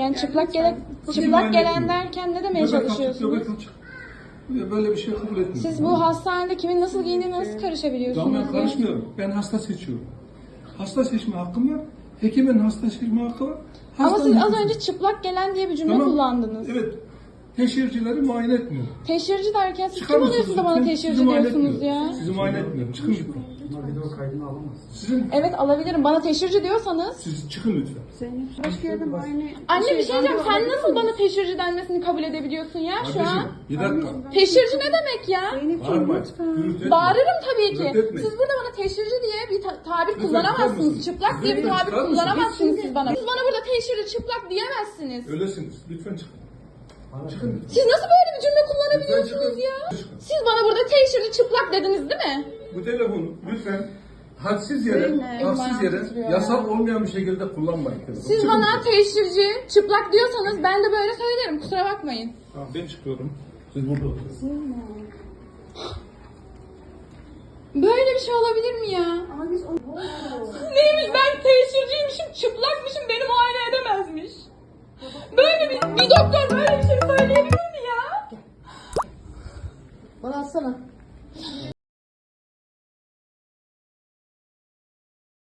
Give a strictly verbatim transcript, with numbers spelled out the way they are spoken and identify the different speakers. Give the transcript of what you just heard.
Speaker 1: Yani çıplak gelen, çıplak gelen derken ne demeye çalışıyorsunuz?
Speaker 2: Böyle bir şey kabul etmiyorum.
Speaker 1: Siz bu hastanede kimin nasıl giyindiğine nasıl karışabiliyorsunuz?
Speaker 2: Ben karışmıyorum. Ben hasta seçiyorum. Hasta seçme hakkım var. Hekimin hasta seçme hakkı var.
Speaker 1: Ama
Speaker 2: Hastanın
Speaker 1: siz az
Speaker 2: hekimi-
Speaker 1: önce çıplak gelen diye bir cümle
Speaker 2: Tamam.
Speaker 1: kullandınız.
Speaker 2: Evet. Teşhircileri muayene etmiyor.
Speaker 1: Teşhirci derken siz
Speaker 2: Çıkar
Speaker 1: kim
Speaker 2: mısınız
Speaker 1: oluyorsunuz da bana
Speaker 2: lütfen?
Speaker 1: teşhirci
Speaker 2: Sizi muayene
Speaker 1: diyorsunuz
Speaker 2: etmiyorum.
Speaker 1: ya?
Speaker 2: Sizi muayene etmiyorum. Çıkın lütfen.
Speaker 3: Bunlar video kaydını alamaz.
Speaker 2: Sizin,
Speaker 1: Evet alabilirim. Bana teşhirci diyorsanız.
Speaker 2: siz çıkın lütfen.
Speaker 4: Zeynep başka yerde muayene...
Speaker 1: Anne bir şey diyeceğim. Sen
Speaker 4: randevu
Speaker 1: nasıl
Speaker 4: alabilir
Speaker 1: bana teşhirci denmesini kabul edebiliyorsun ya şu an?
Speaker 2: Kardeşim, bir dakika.
Speaker 1: Teşhirci ne demek ya?
Speaker 4: Zeynep'ciğim
Speaker 2: Bağırmayın.
Speaker 4: lütfen.
Speaker 2: Gürültü etmeyin.
Speaker 1: Bağırırım tabii ki.
Speaker 2: Gürültü etmeyin.
Speaker 1: Siz burada bana teşhirci diye bir ta- tabir
Speaker 2: Lütfen
Speaker 1: kullanamazsınız.
Speaker 2: çıkar mısınız?
Speaker 1: Çıplak diye bir
Speaker 2: Lütfen
Speaker 1: tabir
Speaker 2: çıkar mısınız?
Speaker 1: kullanamazsınız siz bana. Siz bana burada teşhirci çıplak diyemezsiniz.
Speaker 2: Öylesiniz. Lütfen çıkın. Çıkın lütfen.
Speaker 1: Siz nasıl böyle bir cümle kullanabiliyorsunuz
Speaker 2: Lütfen
Speaker 1: ya?
Speaker 2: çıkın. Çıkın.
Speaker 1: Siz bana burada teşhirci çıplak dediniz değil mi?
Speaker 2: Bu telefonu lütfen hadsiz yere,
Speaker 4: Zeynep,
Speaker 2: haksız yere,
Speaker 1: titriyor
Speaker 2: yasal
Speaker 1: ya.
Speaker 2: olmayan bir şekilde kullanmayın. telefonu.
Speaker 1: Siz
Speaker 2: Çıkın
Speaker 1: bana
Speaker 2: lütfen.
Speaker 1: teşhirci çıplak diyorsanız ben de böyle söylerim. Kusura bakmayın.
Speaker 2: Tamam, ben çıkıyorum. Siz burada oturun.
Speaker 1: Böyle bir şey olabilir mi ya?
Speaker 4: Ama biz onu...
Speaker 1: Neymiş ben teşhirciymişim, çıplakmışım, beni muayene edemezmiş. Böyle bir, bir doktor böyle bir şey söyleyebilir mi ya?
Speaker 4: Bana atsana.